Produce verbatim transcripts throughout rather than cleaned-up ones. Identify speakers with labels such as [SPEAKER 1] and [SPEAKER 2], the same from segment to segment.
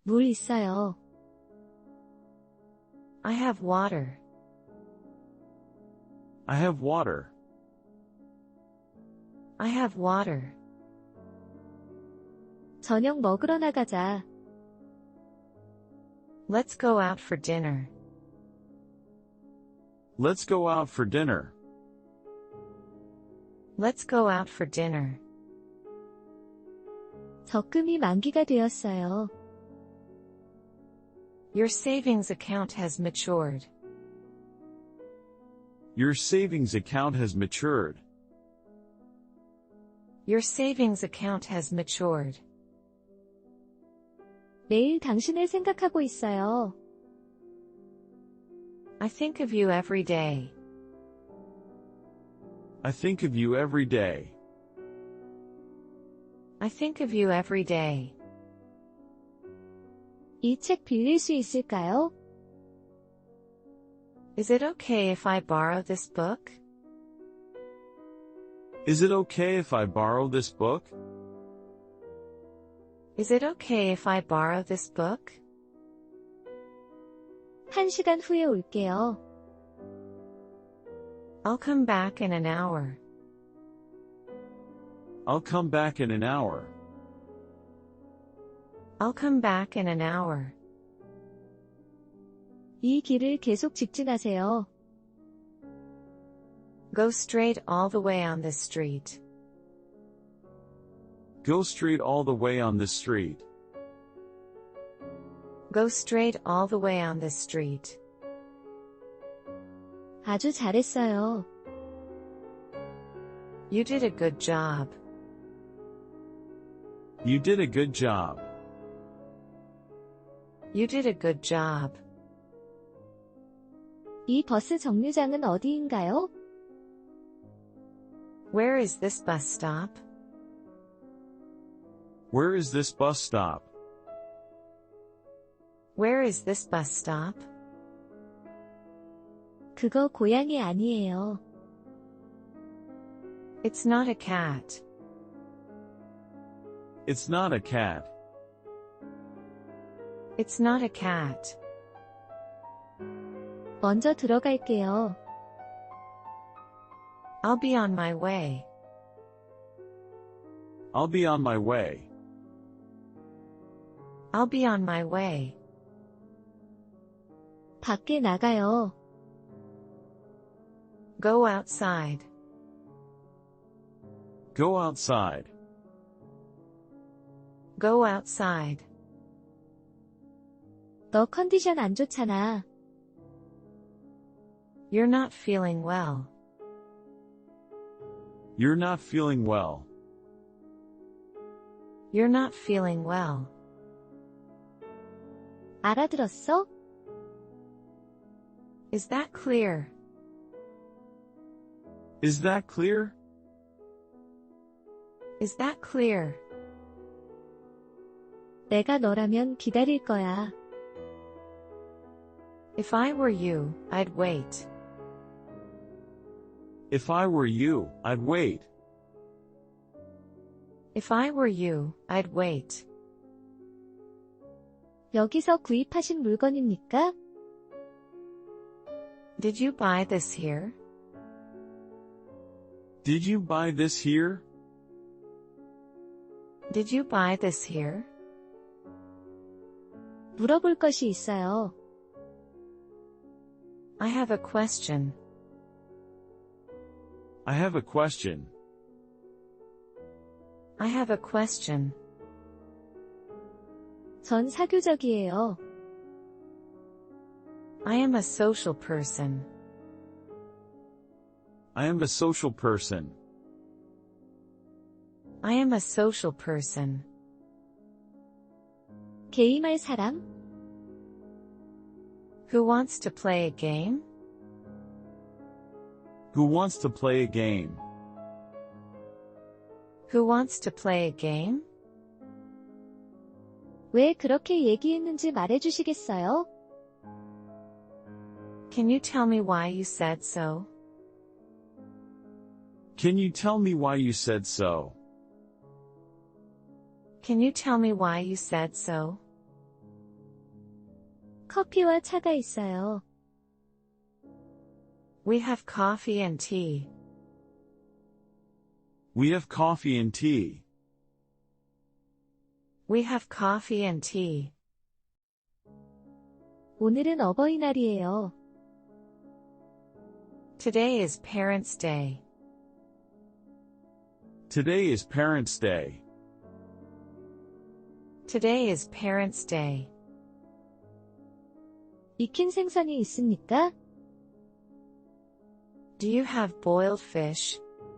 [SPEAKER 1] 물 있어요.
[SPEAKER 2] I have water.
[SPEAKER 3] I have water.
[SPEAKER 2] I have water.
[SPEAKER 1] 저녁 먹으러 나가자.
[SPEAKER 2] Let's go out for dinner.
[SPEAKER 3] Let's go out for dinner.
[SPEAKER 2] Let's go out for dinner.
[SPEAKER 1] 적금이 만기가 되었어요.
[SPEAKER 2] Your savings account has matured.
[SPEAKER 3] Your savings account has matured.
[SPEAKER 2] Your savings account has matured.
[SPEAKER 1] 매일 당신을 생각하고 있어요.
[SPEAKER 2] I think of you every day.
[SPEAKER 3] I think of you every day.
[SPEAKER 2] I think of you every day.
[SPEAKER 1] 이 책 빌릴 수 있을까요?
[SPEAKER 2] Is it okay if I borrow this book?
[SPEAKER 3] Is it okay if I borrow this book?
[SPEAKER 2] Is it okay if I borrow this book?
[SPEAKER 1] 한 시간 후에 올게요.
[SPEAKER 2] I'll come back in an hour.
[SPEAKER 3] I'll come back in an hour.
[SPEAKER 2] I'll come back in an hour.
[SPEAKER 1] 이 길을 계속 직진하세요.
[SPEAKER 2] Go straight all the way on this street.
[SPEAKER 3] Go straight all the way on this street.
[SPEAKER 2] Go straight all the way on this street.
[SPEAKER 1] 아주 잘했어요.
[SPEAKER 2] You did a good job.
[SPEAKER 3] You did a good job.
[SPEAKER 2] You did a good job.
[SPEAKER 1] 이 버스 정류장은 어디인가요?
[SPEAKER 2] Where is this bus stop?
[SPEAKER 3] Where is this bus stop?
[SPEAKER 2] Where is this bus stop?
[SPEAKER 1] 그거 고양이 아니에요.
[SPEAKER 2] It's not a cat.
[SPEAKER 3] It's not a cat.
[SPEAKER 2] It's not a cat.
[SPEAKER 1] 먼저 들어갈게요.
[SPEAKER 2] I'll be on my way.
[SPEAKER 3] I'll be on my way.
[SPEAKER 2] I'll be on my way.
[SPEAKER 1] 밖에 나가요.
[SPEAKER 2] Go outside.
[SPEAKER 3] Go outside.
[SPEAKER 2] Go outside.
[SPEAKER 1] 너 컨디션 안 좋잖아.
[SPEAKER 2] You're not feeling well.
[SPEAKER 3] You're not feeling well.
[SPEAKER 2] You're not feeling well.
[SPEAKER 1] 알아들었어?
[SPEAKER 2] Is that clear?
[SPEAKER 3] Is that clear?
[SPEAKER 2] Is that clear?
[SPEAKER 1] 내가 너라면 기다릴 거야.
[SPEAKER 2] If I were you, I'd wait.
[SPEAKER 3] If I were you, I'd wait.
[SPEAKER 2] If I were you, I'd wait.
[SPEAKER 1] 여기서 구입하신 물건입니까?
[SPEAKER 2] Did you buy this here?
[SPEAKER 3] Did you buy this here?
[SPEAKER 2] Did you buy this here?
[SPEAKER 1] 물어볼 것이 있어요.
[SPEAKER 2] I have a question.
[SPEAKER 3] I have a question.
[SPEAKER 2] I have a question.
[SPEAKER 1] 전 사교적이에요.
[SPEAKER 2] I am a social person.
[SPEAKER 3] I am a social person.
[SPEAKER 2] I am a social person.
[SPEAKER 1] 게임할 사람?
[SPEAKER 2] Who wants to play a game?
[SPEAKER 3] Who wants to play a game?
[SPEAKER 2] Who wants to play a game?
[SPEAKER 1] 왜 그렇게 얘기했는지 말해주시겠어요?
[SPEAKER 2] Can you tell me why you said so?
[SPEAKER 3] Can you tell me why you said so?
[SPEAKER 2] Can you tell me why you said so?
[SPEAKER 1] 커피와 차가 있어요.
[SPEAKER 2] We have coffee and tea.
[SPEAKER 3] We have coffee and tea.
[SPEAKER 2] We have coffee and tea.
[SPEAKER 1] 오늘은 어버이날이에요.
[SPEAKER 2] Today is Parents' Day.
[SPEAKER 3] Today is Parents' Day.
[SPEAKER 2] Today is Parents' Day.
[SPEAKER 1] 익힌 생선이 있습니까?
[SPEAKER 2] Do you have boiled fish?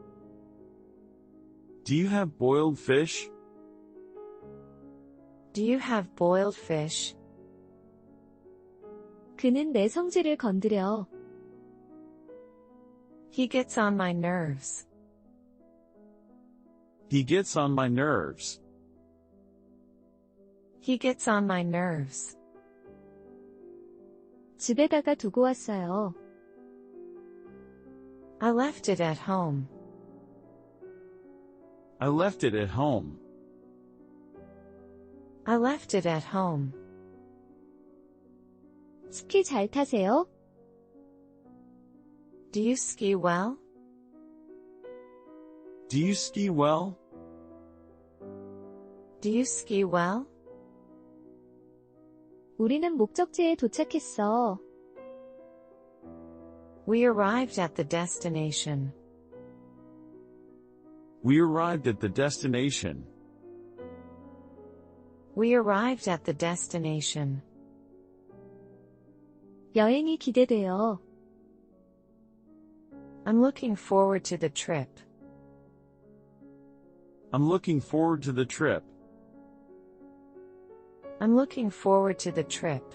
[SPEAKER 3] Do you have boiled fish?
[SPEAKER 2] Do you have boiled fish?
[SPEAKER 1] 그는 내 성질을 건드려.
[SPEAKER 2] He gets on my nerves.
[SPEAKER 3] He gets on my nerves.
[SPEAKER 2] He gets on my nerves.
[SPEAKER 1] 집에다가 두고 왔어요.
[SPEAKER 2] I left it at home.
[SPEAKER 3] I left it at home.
[SPEAKER 2] I left it at home.
[SPEAKER 1] 스키 잘 타세요?
[SPEAKER 2] Do you ski well?
[SPEAKER 3] Do you ski well?
[SPEAKER 2] Do you ski well?
[SPEAKER 1] 우리는 목적지에 도착했어.
[SPEAKER 2] We arrived at the destination.
[SPEAKER 3] We arrived at the destination.
[SPEAKER 2] We arrived at the destination.
[SPEAKER 1] 여행이 기대돼요.
[SPEAKER 2] I'm looking forward to the trip.
[SPEAKER 3] I'm looking forward to the trip.
[SPEAKER 2] I'm looking forward to the trip.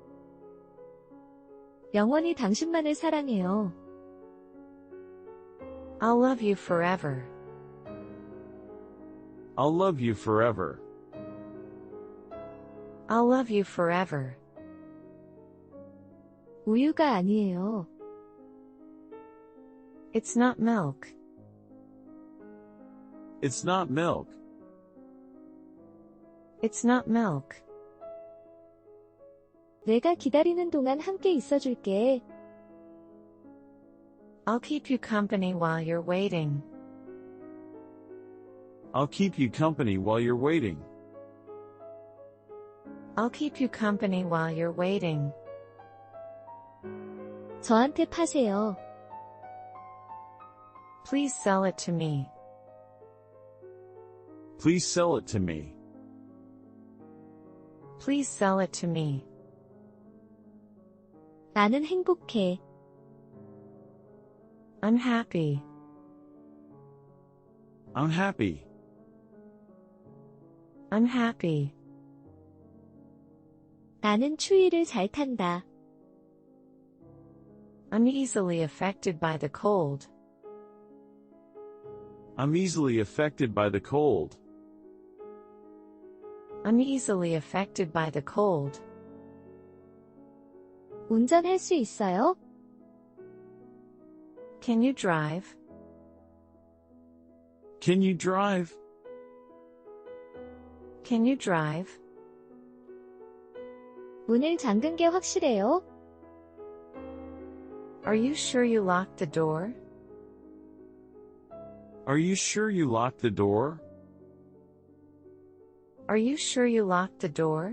[SPEAKER 1] 영원히 당신만을 사랑해요.
[SPEAKER 2] I'll love you forever.
[SPEAKER 3] I'll love you forever.
[SPEAKER 2] I'll love you forever.
[SPEAKER 1] 우유가 아니에요.
[SPEAKER 2] It's not milk.
[SPEAKER 3] It's not milk.
[SPEAKER 2] It's not milk.
[SPEAKER 1] 내가 기다리는 동안 함께 있어줄게.
[SPEAKER 2] I'll keep you company while you're waiting.
[SPEAKER 3] I'll keep you company while you're waiting.
[SPEAKER 2] I'll keep you company while you're waiting.
[SPEAKER 1] 저한테 파세요.
[SPEAKER 2] Please sell it to me.
[SPEAKER 3] Please sell it to me.
[SPEAKER 2] Please sell it to me.
[SPEAKER 1] 나는 행복해.
[SPEAKER 2] I'm happy.
[SPEAKER 3] I'm happy.
[SPEAKER 2] I'm happy.
[SPEAKER 1] 나는 추위를 잘 탄다.
[SPEAKER 2] I'm easily affected by the cold.
[SPEAKER 3] I'm easily affected by the cold.
[SPEAKER 2] I'm easily affected by the cold.
[SPEAKER 1] 운전할 수 있어요?
[SPEAKER 2] Can you drive?
[SPEAKER 3] Can you drive?
[SPEAKER 2] Can you drive?
[SPEAKER 1] 문을 잠근 게 확실해요?
[SPEAKER 2] Are you sure you locked the door?
[SPEAKER 3] Are you sure you locked the door?
[SPEAKER 2] Are you sure you locked the door?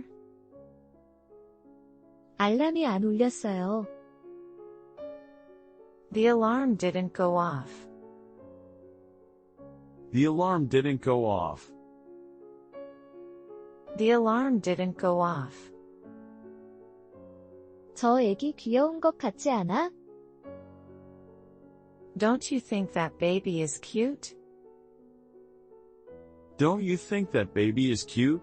[SPEAKER 1] 알람이 안 울렸어요.
[SPEAKER 2] The alarm didn't go off.
[SPEAKER 3] The alarm didn't go off.
[SPEAKER 2] The alarm didn't go off.
[SPEAKER 1] 저 애기 귀여운 것 같지 않아?
[SPEAKER 2] Don't you think that baby is cute?
[SPEAKER 3] Don't you think that baby is cute?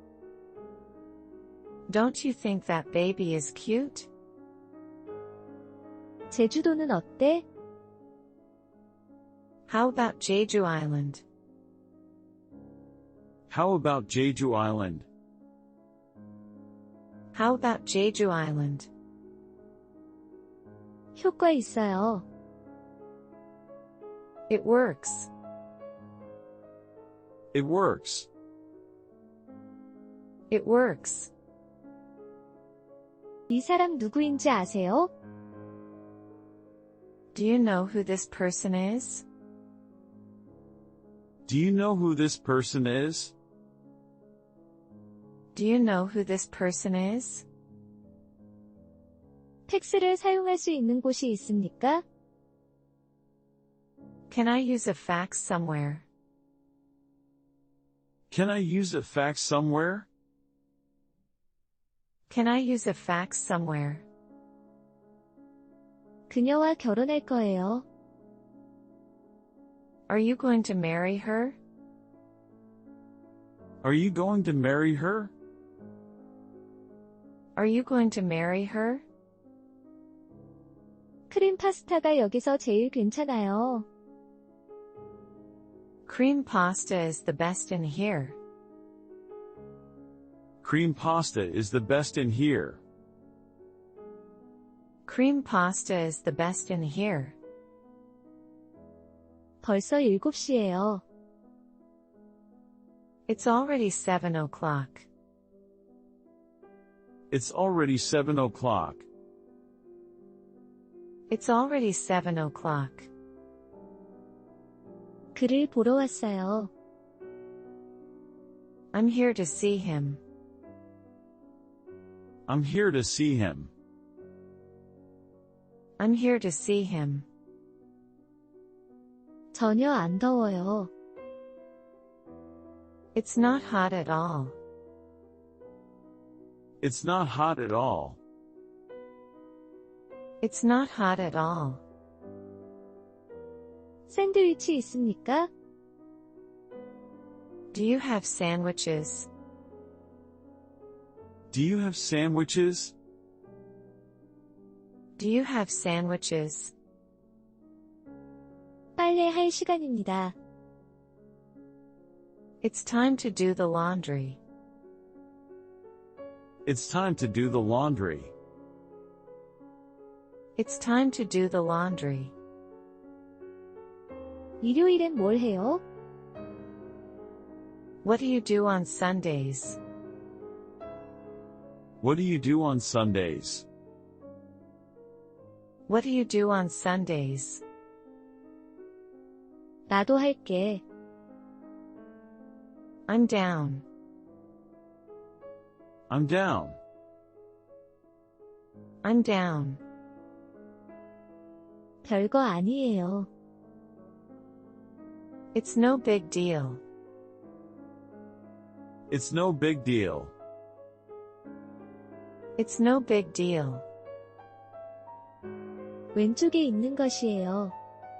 [SPEAKER 2] Don't you think that baby is cute?
[SPEAKER 1] 제주도는 어때?
[SPEAKER 2] How about Jeju Island?
[SPEAKER 3] How about Jeju Island?
[SPEAKER 2] How about Jeju Island?
[SPEAKER 1] 효과 있어요.
[SPEAKER 2] It works.
[SPEAKER 3] It works.
[SPEAKER 2] It works.
[SPEAKER 1] 이 사람 누구인지 아세요?
[SPEAKER 2] Do you know who this person is?
[SPEAKER 3] Do you know who this person is?
[SPEAKER 2] Do you know who this person is?
[SPEAKER 1] 팩스를 사용할 수 있는 곳이 있습니까?
[SPEAKER 2] Can I use a fax somewhere?
[SPEAKER 3] Can I use a fax somewhere?
[SPEAKER 2] Can I use a fax somewhere?
[SPEAKER 1] 그녀와 결혼할 거예요.
[SPEAKER 2] Are you going to marry her?
[SPEAKER 3] Are you going to marry her?
[SPEAKER 2] Are you going to marry her?
[SPEAKER 1] 크림 파스타가 여기서 제일 괜찮아요.
[SPEAKER 2] Cream pasta is the best in here.
[SPEAKER 3] Cream pasta is the best in here.
[SPEAKER 2] Cream pasta is the best in here.
[SPEAKER 1] 벌써 일곱 시예요.
[SPEAKER 2] It's already seven o'clock.
[SPEAKER 3] It's already seven o'clock.
[SPEAKER 2] It's already seven o'clock.
[SPEAKER 1] 그를 보러 왔어요.
[SPEAKER 2] I'm here to see him.
[SPEAKER 3] I'm here to see him.
[SPEAKER 2] I'm here to see him.
[SPEAKER 1] 전혀 안 더워요.
[SPEAKER 2] It's not hot at all.
[SPEAKER 3] It's not hot at all.
[SPEAKER 2] It's not hot at all.
[SPEAKER 1] 샌드위치 있습니까?
[SPEAKER 2] Do you have sandwiches?
[SPEAKER 3] Do you have sandwiches?
[SPEAKER 2] Do you have sandwiches?
[SPEAKER 1] 빨래할 시간입니다.
[SPEAKER 2] It's time to do the laundry.
[SPEAKER 3] It's time to do the laundry.
[SPEAKER 2] It's time to do the laundry.
[SPEAKER 1] 일요일엔 뭘 해요?
[SPEAKER 2] What do you do on Sundays?
[SPEAKER 3] What do you do on Sundays?
[SPEAKER 2] What do you do on Sundays?
[SPEAKER 1] 나도 할게.
[SPEAKER 2] I'm down.
[SPEAKER 3] I'm down.
[SPEAKER 2] I'm down.
[SPEAKER 1] 별거 아니에요.
[SPEAKER 2] It's no big deal.
[SPEAKER 3] It's no big deal.
[SPEAKER 2] It's no big deal.
[SPEAKER 1] 왼쪽에 있는 것이에요.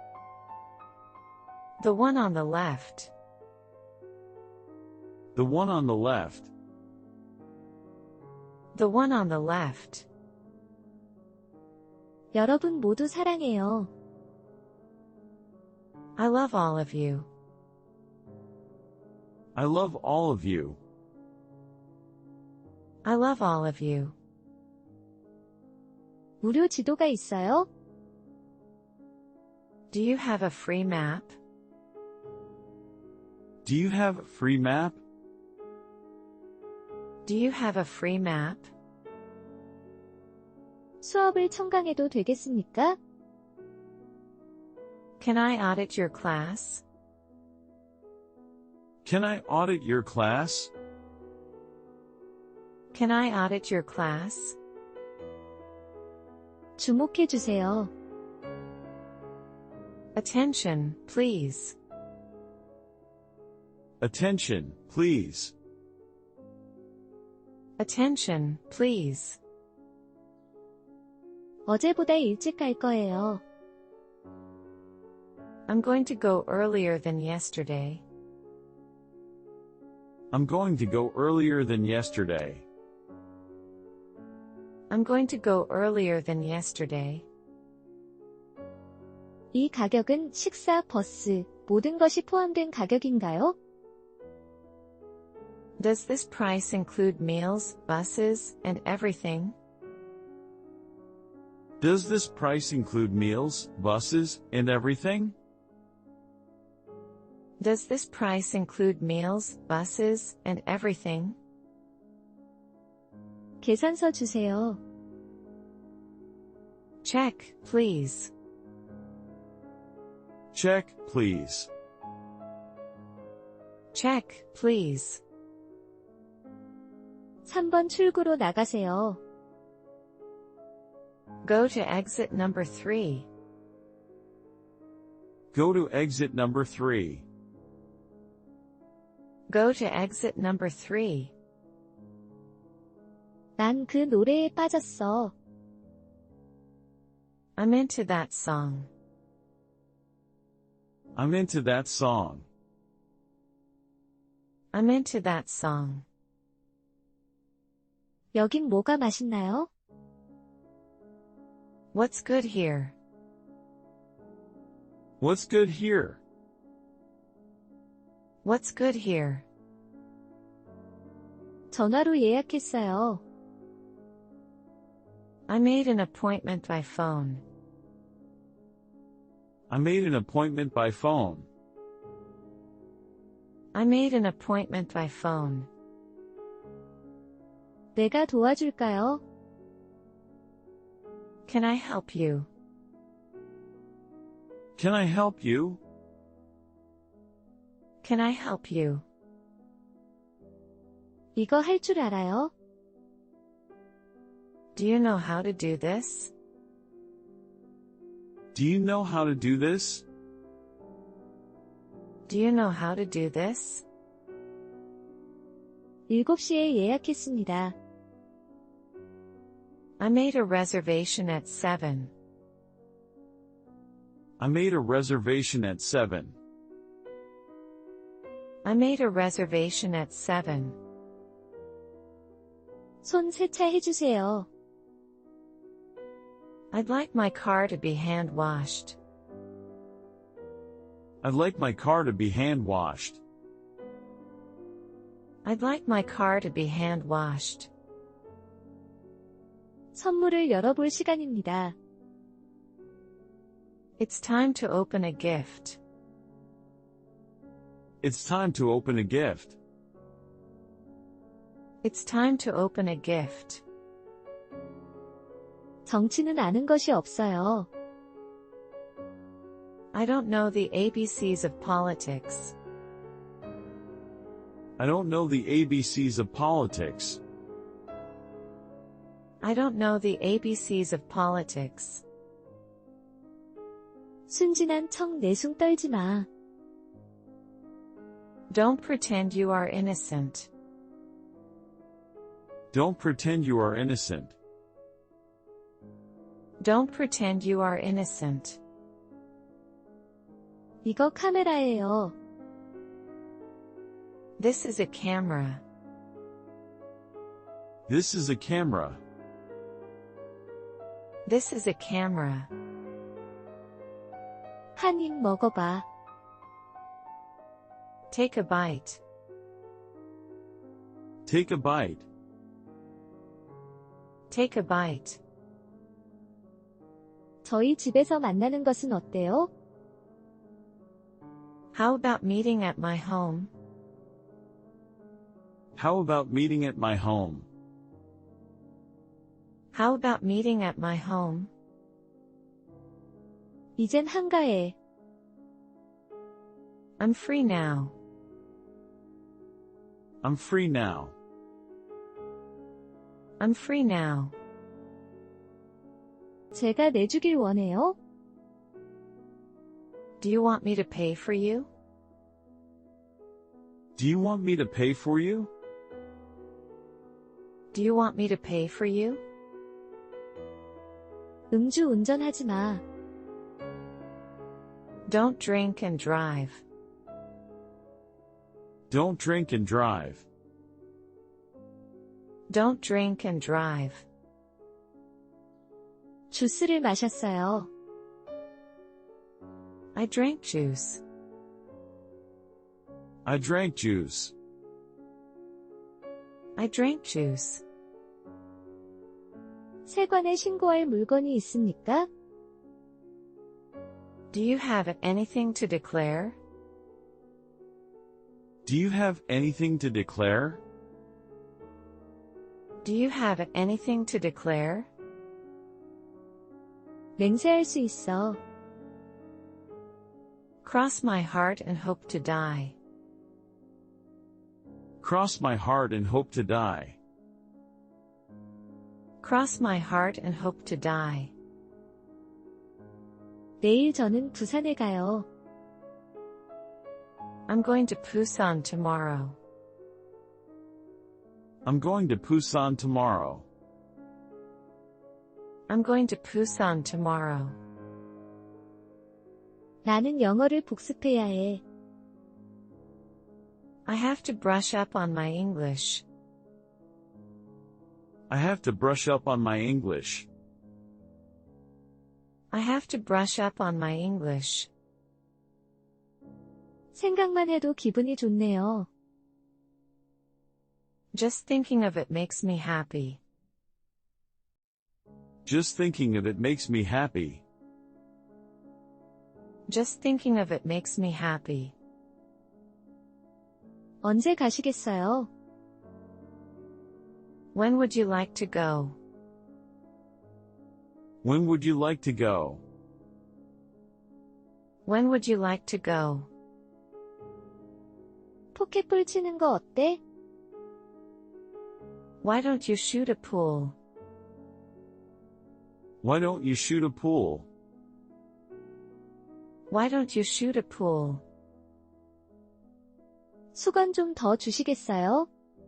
[SPEAKER 2] The one on the left.
[SPEAKER 3] The one on the left.
[SPEAKER 2] The one on the left.
[SPEAKER 1] 여러분 모두 사랑해요.
[SPEAKER 2] I love all of you.
[SPEAKER 3] I love all of you.
[SPEAKER 2] I love all of you.
[SPEAKER 1] 무료 지도가 있어요?
[SPEAKER 2] Do you have a free map?
[SPEAKER 3] Do you have a free map?
[SPEAKER 2] Do you have a free map?
[SPEAKER 1] 수업을 청강해도 되겠습니까?
[SPEAKER 2] Can I audit your class?
[SPEAKER 3] Can I audit your class?
[SPEAKER 2] Can I audit your class?
[SPEAKER 1] 주목해 주세요.
[SPEAKER 2] Attention, please.
[SPEAKER 3] Attention, please.
[SPEAKER 2] Attention, please.
[SPEAKER 1] 어제보다 일찍 갈 거예요.
[SPEAKER 2] I'm going to go earlier than yesterday.
[SPEAKER 3] I'm going to go earlier than yesterday.
[SPEAKER 2] I'm going to go earlier than yesterday.
[SPEAKER 1] 이 가격은 식사, 버스, 모든 것이 포함된 가격인가요?
[SPEAKER 2] Does this price include meals, buses, and everything?
[SPEAKER 3] Does this price include meals, buses, and everything?
[SPEAKER 2] Does this price include meals, buses, and everything?
[SPEAKER 1] 계산서 주세요.
[SPEAKER 2] Check, please.
[SPEAKER 3] Check, please.
[SPEAKER 2] Check, please.
[SPEAKER 1] 삼 번 출구로 나가세요.
[SPEAKER 2] Go to exit number three.
[SPEAKER 3] Go to exit number three.
[SPEAKER 2] Go to exit number three.
[SPEAKER 1] 난 그 노래에 빠졌어.
[SPEAKER 2] I'm into that song.
[SPEAKER 3] I'm into that song.
[SPEAKER 2] I'm into that song.
[SPEAKER 1] 여긴 뭐가 맛있나요?
[SPEAKER 2] What's good here?
[SPEAKER 3] What's good here?
[SPEAKER 2] What's good here?
[SPEAKER 1] 전화로 예약했어요.
[SPEAKER 2] I made an appointment by phone.
[SPEAKER 3] I made an appointment by phone.
[SPEAKER 2] I made an appointment by phone.
[SPEAKER 1] 내가 도와줄까요?
[SPEAKER 2] Can I help you?
[SPEAKER 3] Can I help you?
[SPEAKER 2] Can I help you?
[SPEAKER 1] 이거 할 줄 알아요?
[SPEAKER 2] Do you know how to do this?
[SPEAKER 3] Do you know how to do this?
[SPEAKER 2] Do you know how to do this?
[SPEAKER 1] 일곱 시에 예약했습니다.
[SPEAKER 2] I made a reservation at seven.
[SPEAKER 3] I made a reservation at seven.
[SPEAKER 2] I made a reservation at seven.
[SPEAKER 1] 손 세차해주세요.
[SPEAKER 2] I'd like my car to be hand washed.
[SPEAKER 3] I'd like my car to be hand washed.
[SPEAKER 2] I'd like my car to be hand washed.
[SPEAKER 1] 선물을 열어볼 시간입니다.
[SPEAKER 2] It's time to open a gift.
[SPEAKER 3] It's time to open a gift.
[SPEAKER 2] It's time to open a gift.
[SPEAKER 1] 정치는 아는 것이 없어요.
[SPEAKER 2] I don't know the A B Cs of politics.
[SPEAKER 3] I don't know the A B Cs of politics.
[SPEAKER 2] I don't know the A B Cs of politics.
[SPEAKER 1] 순진한 척 내숭 떨지 마.
[SPEAKER 2] Don't pretend you are innocent.
[SPEAKER 3] Don't pretend you are innocent.
[SPEAKER 2] Don't pretend you are innocent.
[SPEAKER 1] 이거 카메라예요.
[SPEAKER 2] This is a camera.
[SPEAKER 3] This is a camera.
[SPEAKER 2] This is a camera.
[SPEAKER 1] 한 입 먹어봐.
[SPEAKER 2] Take a bite.
[SPEAKER 3] Take a bite.
[SPEAKER 2] Take a bite.
[SPEAKER 1] 저희 집에서 만나는 것은 어때요?
[SPEAKER 2] How about meeting at my home?
[SPEAKER 3] How about meeting at my home?
[SPEAKER 2] How about meeting at my home?
[SPEAKER 1] 이젠 한가해.
[SPEAKER 2] I'm free now.
[SPEAKER 3] I'm free now.
[SPEAKER 2] I'm free now.
[SPEAKER 1] 제가 내주길 원해요?
[SPEAKER 2] Do you want me to pay for you?
[SPEAKER 3] Do you want me to pay for you?
[SPEAKER 2] Do you want me to pay for you?
[SPEAKER 1] 음주 운전하지 마.
[SPEAKER 2] Don't drink and drive.
[SPEAKER 3] Don't drink and drive.
[SPEAKER 2] Don't drink and drive.
[SPEAKER 1] 주스를 마셨어요.
[SPEAKER 2] I drank juice.
[SPEAKER 3] I drank juice.
[SPEAKER 2] I drank juice.
[SPEAKER 1] 세관에 신고할 물건이 있습니까?
[SPEAKER 2] Do you have anything to declare?
[SPEAKER 3] Do you have anything to declare?
[SPEAKER 2] Do you have anything to declare?
[SPEAKER 1] 맹세할 수 있어.
[SPEAKER 2] Cross my heart and hope to die.
[SPEAKER 3] Cross my heart and hope to die.
[SPEAKER 2] Cross my heart and hope to die.
[SPEAKER 1] 내일 저는 부산에 가요.
[SPEAKER 2] I'm going to Busan tomorrow.
[SPEAKER 3] I'm going to Busan tomorrow.
[SPEAKER 2] I'm going to Busan tomorrow.
[SPEAKER 1] 나는 영어를 복습해야 해.
[SPEAKER 2] I have to brush up on my English.
[SPEAKER 3] I have to brush up on my English.
[SPEAKER 2] I have to brush up on my English.
[SPEAKER 1] 생각만 해도 기분이 좋네요.
[SPEAKER 2] Just thinking of it makes me happy.
[SPEAKER 3] Just thinking of it makes me happy.
[SPEAKER 2] Just thinking of it makes me happy.
[SPEAKER 1] 언제 가시겠어요?
[SPEAKER 2] When would you like to go?
[SPEAKER 3] When would you like to go?
[SPEAKER 2] When would you like to go?
[SPEAKER 1] 포켓볼 치는 거 어때?
[SPEAKER 2] Why don't you shoot a pool?
[SPEAKER 3] Why don't you shoot a pool?
[SPEAKER 2] Why don't you shoot a pool?
[SPEAKER 1] 수건 좀 더 주시겠어요?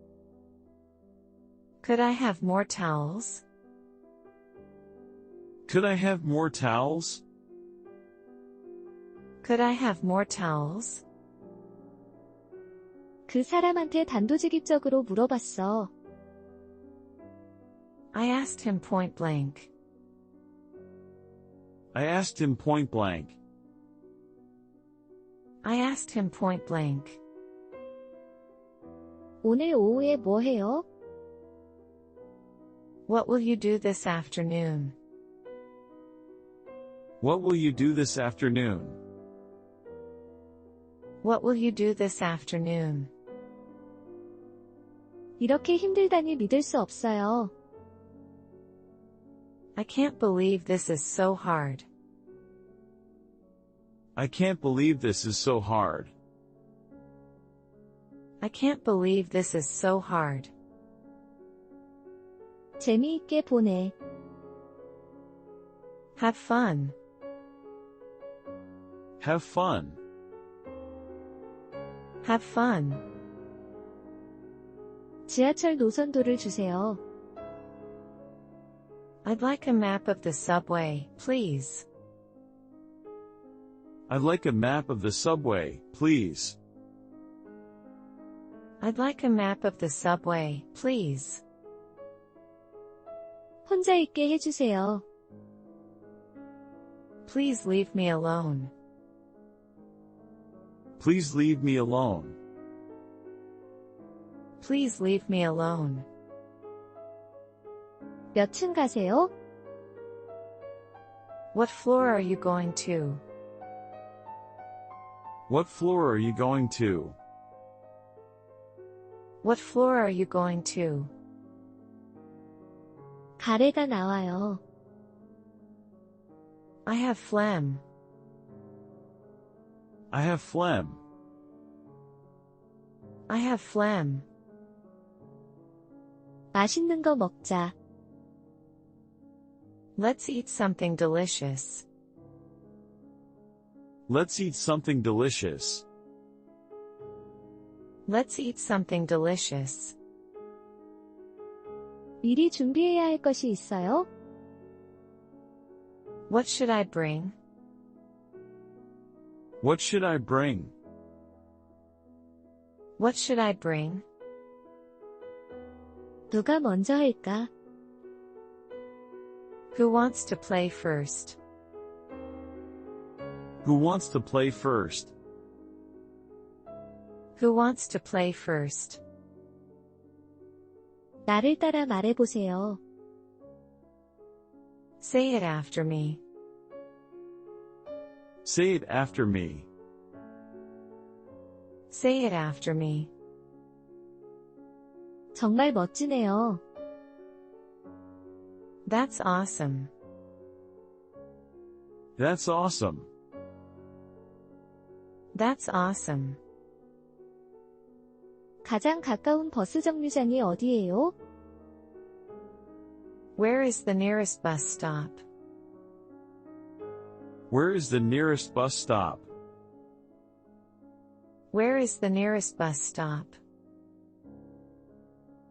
[SPEAKER 2] Could I have more towels?
[SPEAKER 3] Could I have more towels?
[SPEAKER 2] Could I have more towels?
[SPEAKER 1] 그 사람한테 단도직입적으로 물어봤어.
[SPEAKER 2] I asked him point blank.
[SPEAKER 3] I asked him point blank.
[SPEAKER 2] I asked him point blank.
[SPEAKER 1] 오늘 오후에 뭐 해요?
[SPEAKER 2] What will you do this afternoon?
[SPEAKER 3] What will you do this afternoon?
[SPEAKER 2] What will you do this afternoon?
[SPEAKER 1] 이렇게 힘들다니 믿을 수 없어요.
[SPEAKER 2] I can't believe this is so hard.
[SPEAKER 3] I can't believe this is so hard.
[SPEAKER 2] I can't believe this is so hard.
[SPEAKER 1] 재미있게 보내.
[SPEAKER 2] Have fun.
[SPEAKER 3] Have fun.
[SPEAKER 2] Have fun.
[SPEAKER 1] 지하철 노선도를 주세요.
[SPEAKER 2] I'd like a map of the subway, please.
[SPEAKER 3] I'd like a map of the subway, please.
[SPEAKER 2] I'd like a map of the subway, please.
[SPEAKER 1] 혼자 있게 해주세요.
[SPEAKER 2] Please leave me alone.
[SPEAKER 3] Please leave me alone.
[SPEAKER 2] Please leave me alone.
[SPEAKER 1] 몇 층 가세요?
[SPEAKER 2] What floor are you going to?
[SPEAKER 3] What floor are you going to?
[SPEAKER 2] What floor are you going to?
[SPEAKER 1] 가래가 나와요.
[SPEAKER 2] I have phlegm.
[SPEAKER 3] I have phlegm.
[SPEAKER 2] I have phlegm.
[SPEAKER 1] 맛있는 거 먹자.
[SPEAKER 2] Let's eat something delicious.
[SPEAKER 3] Let's eat something delicious.
[SPEAKER 2] Let's eat something delicious.
[SPEAKER 1] 미리 준비해야 할 것이 있어요?
[SPEAKER 2] What should I bring?
[SPEAKER 3] What should I bring?
[SPEAKER 2] What should I bring?
[SPEAKER 1] 누가 먼저 할까?
[SPEAKER 2] Who wants to play first?
[SPEAKER 3] Who wants to play first?
[SPEAKER 2] Who wants to play first?
[SPEAKER 1] 나를 따라 말해보세요.
[SPEAKER 2] Say it after me.
[SPEAKER 3] Say it after me.
[SPEAKER 2] Say it after me.
[SPEAKER 1] 정말 멋지네요.
[SPEAKER 2] That's awesome.
[SPEAKER 3] That's awesome.
[SPEAKER 2] That's awesome.
[SPEAKER 1] 가장 가까운 버스 정류장이 어디예요?
[SPEAKER 2] Where is the nearest bus stop?
[SPEAKER 3] Where is the nearest bus stop?
[SPEAKER 2] Where is the nearest bus stop?